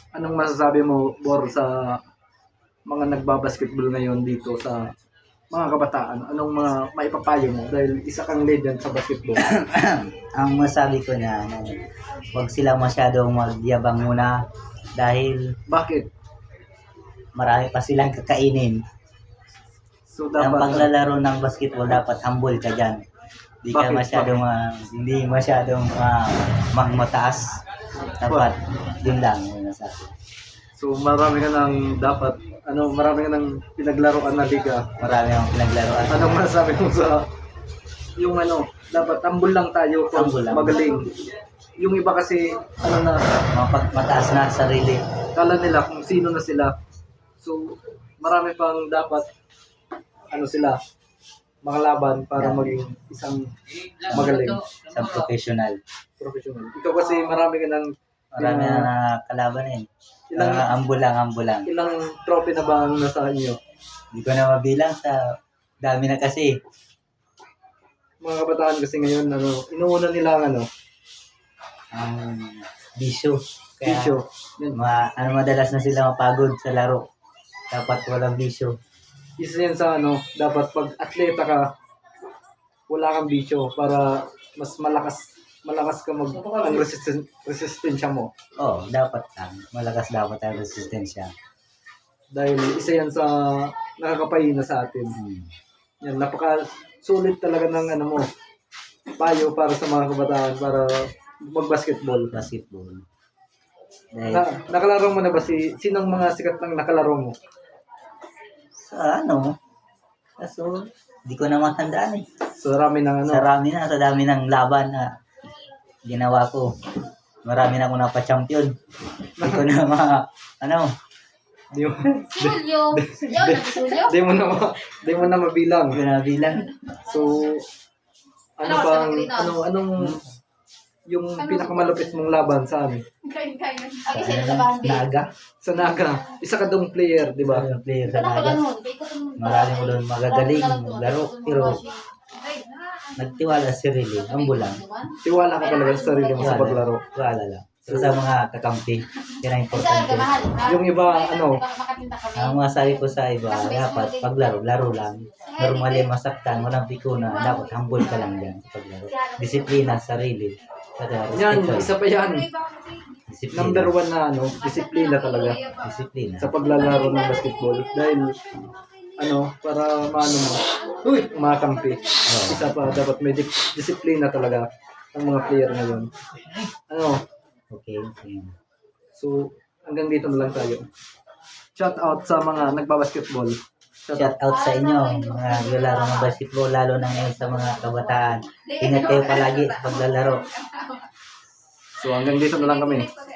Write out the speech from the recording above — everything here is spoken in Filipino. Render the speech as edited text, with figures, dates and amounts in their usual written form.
Anong masasabi mo, Bor, sa mga nagbabasketball ngayon dito sa mga kabataan? Anong mga maipapayo mo? Dahil isa kang legend sa basketball. Ang masabi ko na, huwag sila masyadong magyabang muna dahil Bakit? marami pa silang kakainin. So Ang dapat paglalaro ng basketball, dapat humble ka dyan. Hindi ka Bakit? masyadong, hindi masyadong mataas. Dapat, yun lang. Yun ang sabi. so marami ka nang dapat marami ka nang pinaglaruan na liga. Marami akong pinaglaruan. Anong masasabi mo sa yung dapat tambol lang tayo kung Humble lang. magaling. Yung iba kasi na Mataas na sarili. kala nila kung sino na sila. So marami pang dapat sila makalaban para Yeah. maging isang magaling Sa professional. professional. Ikaw kasi marami ka nang Marami na kalaban eh. Ilang- Ambul lang. ilang trophy na ba ang nasa inyo? Hindi ko na mabilang sa dami na kasi. Mga kabataan kasi ngayon inuuna nila ang Ang bisyo. Kaya, bisyo. Yan. madalas na sila mapagod sa laro. Dapat walang bisyo. Isa yan sa dapat pag atleta ka, wala kang bisyo para mas malakas ka ang resistensya mo. Oo, dapat lang. Malakas dapat ang resistensya. Dahil isa yan sa nakakapahina sa atin. Yan, napaka sulit talaga ng mo, payo para sa mga kabataan para mag-basketball. Basketball. Dahil, Nakalaro mo na ba sinong mga sikat ng nakalaro mo? sa kaso, di ko na matandaan eh. So, marami ng Sa dami ng laban na ginawa ko. Marami na akong napa-champion. Di ko na di mo, Julio. Julio? di mo na mabilang. Di ko na bilang. So, anong yung pinakamalupit mong laban saan? Ay, sila sa Bambi. Naga. Sa Naga. Isa ka dong player, di ba? Yung player sa Wala ko Naga. ganun. Marami mo doon magagaling, maglaro. Pero nagtiwala sa sarili. Ambulang. Tiwala ka talaga sa sarili mo sa paglaro. Tiwala lang. So, sa mga kakampi, yan ang importante. Yung iba, Ang masabi ko sa iba, dapat paglaro, laro lang. Normally masaktan, walang pikuna, dapat humble ka lang dyan sa paglaro. Disiplina sa sarili. Saka Yan, respeto. isa pa yan. Disiplina. Number one na disiplina talaga Disiplina. sa paglalaro ng basketball. Dahil, para makampi. Isa pa, dapat may disiplina talaga ang mga player ngayon. Okay. So, hanggang dito na lang tayo. Shout out sa mga nagbabasketball. Shout out sa inyo, mga naglalaro ng basketball, lalo na ngayon sa mga kabataan. Ingat kayo palagi sa paglalaro. So, hanggang dito na lang kami.